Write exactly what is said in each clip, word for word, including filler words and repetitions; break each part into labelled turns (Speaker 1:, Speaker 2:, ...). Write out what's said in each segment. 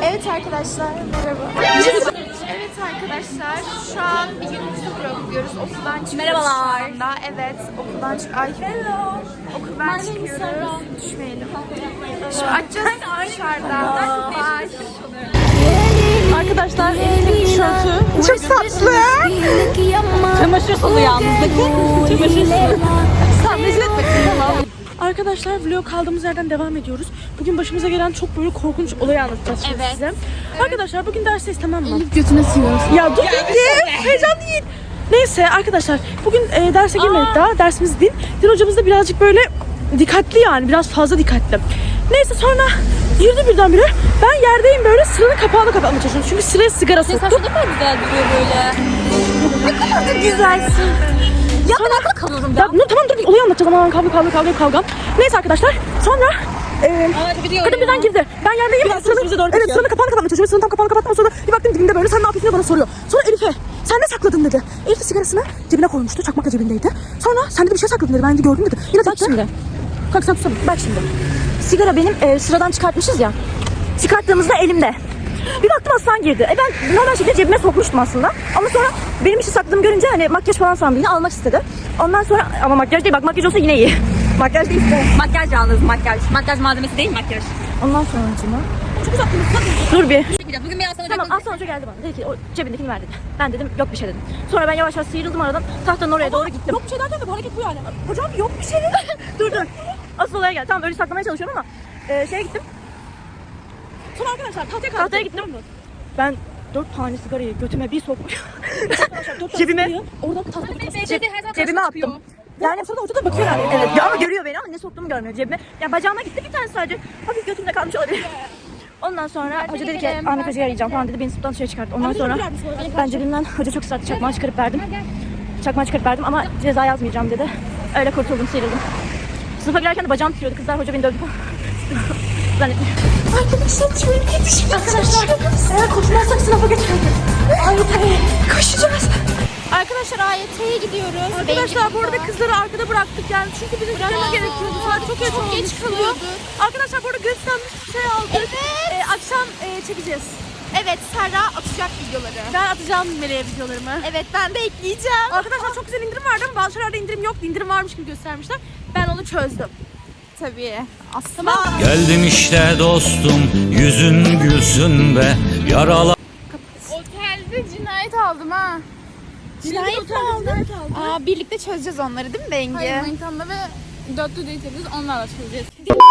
Speaker 1: Evet arkadaşlar, merhaba. Evet arkadaşlar, şu an bir günümüzü bırakıyoruz. Okuldan çıkıyoruz.
Speaker 2: Merhabalar.
Speaker 1: Şu anda. Evet, okuldan çık. Ay, hello. Okuldan çıkıyoruz. Düşmeyelim. Şimdi açacağız dışarıda. Bye.
Speaker 2: Arkadaşlar Elif'in tişörtü
Speaker 1: Çok tatlı.
Speaker 2: çamaşır sulu yalnız. Bakın çamaşır sulu. Sen rezil etmesin tamam. Arkadaşlar vlog kaldığımız yerden devam ediyoruz. Bugün başımıza gelen çok böyle korkunç olayı anlatacağız şimdi
Speaker 1: Evet.
Speaker 2: size. Evet. Arkadaşlar bugün dersteyiz tamam mı?
Speaker 1: Elif götüne sığıyorsun.
Speaker 2: Ya dur Elif. Heyecan değil. Neyse arkadaşlar bugün e, derse girmedik daha. Dersimiz din. Din hocamız da birazcık böyle dikkatli yani. Biraz fazla dikkatli. Neyse sonra girdi birdenbire. Ben yerdeyim böyle sıranın kapağını kapatmaya çalışıyorum. Çünkü sıraya sigara soktum.
Speaker 3: Saçma ne kadar güzel duruyor böyle.
Speaker 1: Ne kadar da güzelsin.
Speaker 3: Ya ben akıllı kalıyorum
Speaker 2: Ya, dur, tamam dur bir olayı anlatacağım. Aman kavga kavga kavga kavga. Neyse arkadaşlar sonra e, kadın birden girdi. Ben yerdeyim. Ben sıranın, evet sıranın kapağını kapatmaya çalışıyorum. Sıranın tam kapağını kapatmam sonra bir baktım dibimde böyle sen ne yapıyorsun diye bana soruyor. Sonra Elif'e sen ne sakladın dedi. Elif de sigarasını cebine koymuştu. Çakmak da cebindeydi. Sonra sen de bir şey sakladın dedi. Ben de gördüm dedi. Yine
Speaker 3: Bak şimdi.
Speaker 2: Kalk sen tutsana.
Speaker 3: Bak şimdi. Sigara benim e, sıradan çıkartmışız ya. Çıkarttığımızda elimde. Bir baktım Aslan girdi. E ben normal şekilde cebime sokmuştum aslında. Ama sonra benim işi sakladığımı görünce hani makyaj falan sandı yine almak istedi. Ondan sonra ama makyaj değil bak makyaj olsa yine iyi. Makyaj değil de.
Speaker 2: Makyaj yalnız makyaj. Makyaj malzemesi değil makyaj.
Speaker 3: Ondan sonra acıma.
Speaker 2: Çok uzattınız.
Speaker 3: Dur bir.
Speaker 2: Bugün bir Aslan
Speaker 3: Tamam Aslan Hoca geldi bana. Dedi ki o cebindekini ver dedi. Ben dedim yok bir şey dedim. Sonra ben yavaş yavaş sıyrıldım aradan. Tahtanın oraya doğru gittim.
Speaker 2: Yok bir şey derken de bu hareket bu yani.
Speaker 3: Hocam yok bir şey. dur dur. Asıl olaya gel. Tamam öyle saklamaya çalışıyorum ama e, şeye gittim.
Speaker 2: Sonra arkadaşlar tahtaya kalktım.
Speaker 3: Tahtaya gittim. Ben dört tane sigarayı götüme bir sokmuş.
Speaker 2: Cebime.
Speaker 3: Cebime.
Speaker 2: Oradan tahta
Speaker 3: Ceb- cebime attım. Yani sonra hoca da bakıyor yani. Evet. Ya ama görüyor beni ama ne soktuğumu görmüyor cebime. Ya bacağıma gitti bir tane sadece. Hafif götümde kalmış olabilir. Ondan sonra hoca dedi ki Ahmet Hoca'yı arayacağım falan dedi. Beni sınıftan dışarı çıkarttı. Ondan sonra ben cebimden hoca çok ısrarlı çakmağı çıkarıp verdim. Çakmağı çıkarıp verdim ama ceza yazmayacağım dedi. Öyle kurtuldum sıyrıldım. Sınıfa girerken de bacağım titriyordu. Kızlar hoca beni dövdü falan. Zannettim.
Speaker 1: Arkadaşlar tüyüm yetişmek.
Speaker 3: Arkadaşlar eğer koşmazsak sınıfa geçmedik.
Speaker 1: Ay koşacağız. Arkadaşlar A Y T'ye gidiyoruz.
Speaker 2: Arkadaşlar bu arada kızları arkada bıraktık yani çünkü bizim gitmemiz gerekiyordu. Saat çok geç
Speaker 1: Çok
Speaker 2: olmuştu.
Speaker 1: geç kalıyordu.
Speaker 2: Arkadaşlar bu arada göstermiş bir şey aldık.
Speaker 1: Evet.
Speaker 2: Ee, akşam e, çekeceğiz.
Speaker 1: Evet, Serra atacak videoları.
Speaker 2: Ben atacağım Meleğe videolarımı.
Speaker 1: Evet, ben de ekleyeceğim.
Speaker 2: Arkadaşlar çok güzel indirim vardı ama bazı şeylerde indirim yoktu. İndirim varmış gibi göstermişler. Ben onu çözdüm.
Speaker 1: Tabii. Aslında
Speaker 4: Geldim işte dostum, yüzün gülsün be, yaralar.
Speaker 1: otelde cinayet aldım ha. Cinayet mi aldın? Aa, birlikte çözeceğiz onları değil mi Bengi?
Speaker 5: Hayır, manitamla ve dörtlü date yapıyoruz. Onlarla çözeceğiz.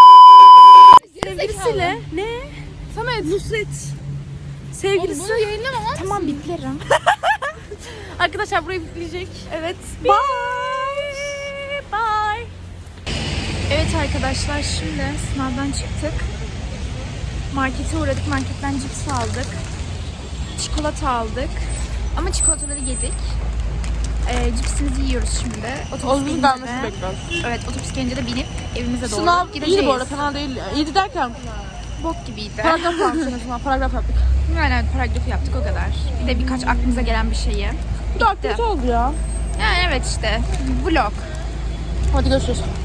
Speaker 2: Sevgilisiyle ne?
Speaker 5: Samet.
Speaker 2: Nusret. Sevgilisi.
Speaker 5: Bunu yayınlamam ama.
Speaker 1: Tamam, biplerim.
Speaker 2: Arkadaşlar burayı bipleyecek. Evet. Bye. Bye.
Speaker 1: Evet arkadaşlar, şimdi sınavdan çıktık. Markete uğradık. Marketten cips aldık. Çikolata aldık. Ama çikolataları yedik. Ee, cipsimizi yiyoruz şimdi. Otobüs
Speaker 5: Otobüs
Speaker 1: gelince
Speaker 5: gelmesi
Speaker 1: de-
Speaker 5: bekliyoruz.
Speaker 1: Evet, otobüs gelince de binip evimize doğru
Speaker 5: Sınav
Speaker 1: gideceğiz.
Speaker 5: iyiydi bu arada, fena değil. İyiydi derken
Speaker 1: Bok gibiydi.
Speaker 5: paragraf yaptık en azından, paragraf yaptık.
Speaker 1: Yani evet, paragrafı yaptık, o kadar. Bir de birkaç aklımıza gelen bir şeyi.
Speaker 5: Bu da aktivite oldu ya.
Speaker 1: Yani evet işte, vlog.
Speaker 5: Hadi görüşürüz.